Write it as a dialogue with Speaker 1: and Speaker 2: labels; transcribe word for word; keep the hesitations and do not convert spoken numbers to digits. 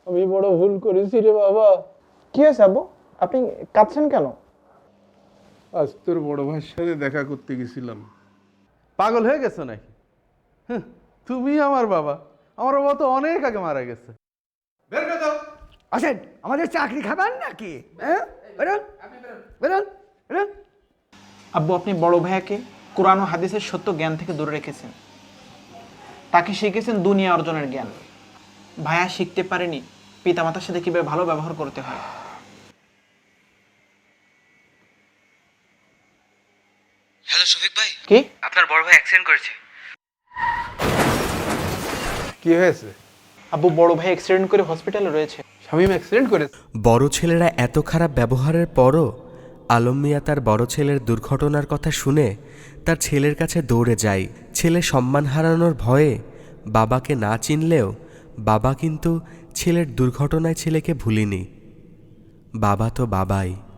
Speaker 1: আমি বড় ভুল করেছি রে বাবা।
Speaker 2: কি হয়েছে আব্বু, আপনি কাঁদছেন কেন?
Speaker 1: আজ তোর বড় ভাইয়ের সাথে দেখা করতে গেছিলাম।
Speaker 3: পাগল হয়ে গেছো নাকি? হ্যাঁ, তুমি আমার বাবা, আমার বাবা তো অনেক আগে মারা গেছে। বের করে দাও।
Speaker 4: আসেন, আমাদের চাকরি খাবেন নাকি? হ্যাঁ, বেরোন বেরোন বেরোন।
Speaker 2: আব্বু, আপনি বড় ভাইয়াকে কোরআন ও হাদিসের সত্য জ্ঞান থেকে দূরে রেখেছেন। তাকে শিখেছেন দুনিয়া অর্জনের জ্ঞান। ভাইয়া শিখতে পারেনি পিতামাতার সাথে কিভাবে ভালো ব্যবহার করতে হয়।
Speaker 5: হ্যালো শফিক ভাই,
Speaker 2: কি?
Speaker 5: আপনার বড় ভাই অ্যাক্সিডেন্ট করেছে।
Speaker 1: কি হয়েছে?
Speaker 2: আব্বু, বড় ভাই অ্যাক্সিডেন্ট করে হসপিটালে রয়েছে।
Speaker 1: শামীম অ্যাক্সিডেন্ট করেছে?
Speaker 6: বড় ছেলেরা এত খারাপ ব্যবহারের পরও আলম মিয়া তার বড় ছেলের দুর্ঘটনার কথা শুনে তার ছেলের কাছে দৌড়ে যায়। ছেলে সম্মান হারানোর ভয়ে বাবাকে না চিনলেও বাবা কিন্তু ছেলের দুর্ঘটনায় ছেলেকে ভুলিনি। বাবা তো বাবাই।